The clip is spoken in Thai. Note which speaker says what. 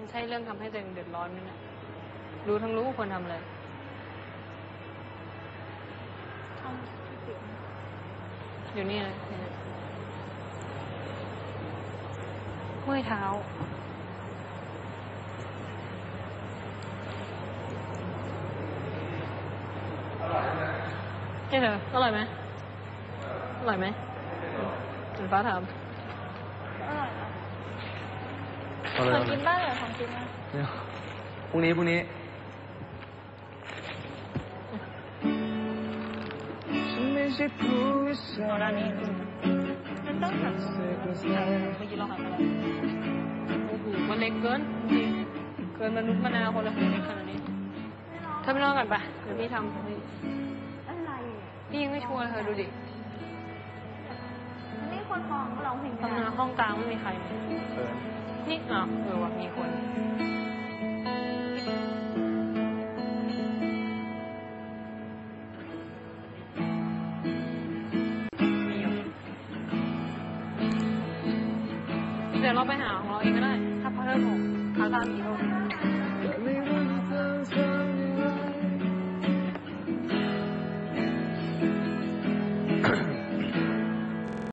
Speaker 1: มันใช่เรื่องทำให้ตัวเองเดือดร้อนไหมเนี่ยรู้ทั้งรู้ควรทำอะไรอยู่นี่เลยเมื่อยเท้าเฮ้ยเธออร่อยไหมอร่อยไหมคุณฟ้าถาม
Speaker 2: อร่อยนะของกินบ้างเหรอของกินนะ
Speaker 3: พรุ่งนี้
Speaker 2: เอาด้านนี้มันต้องหันเมื่อกี้เราหันไปแล้ว
Speaker 1: โอ้โหมันเล็กเกินจริงเกินมนุษย์มนาคนละเล็กขนาดนี้เธอไปนอนก่อนปะเดี๋ยวพี่ทำ
Speaker 2: อะไร
Speaker 1: พี่ยังไม่ชัวร์เธอดูดิ
Speaker 2: นี่คนมองเราเห็น
Speaker 1: ทำงานห้องกลางไม่มีใครนี่อ้าวว่ะมีคนเดี๋ยวเราไปหาของเราเองก็ได้ถ้าพอเริ่มหกคาตามีโอเค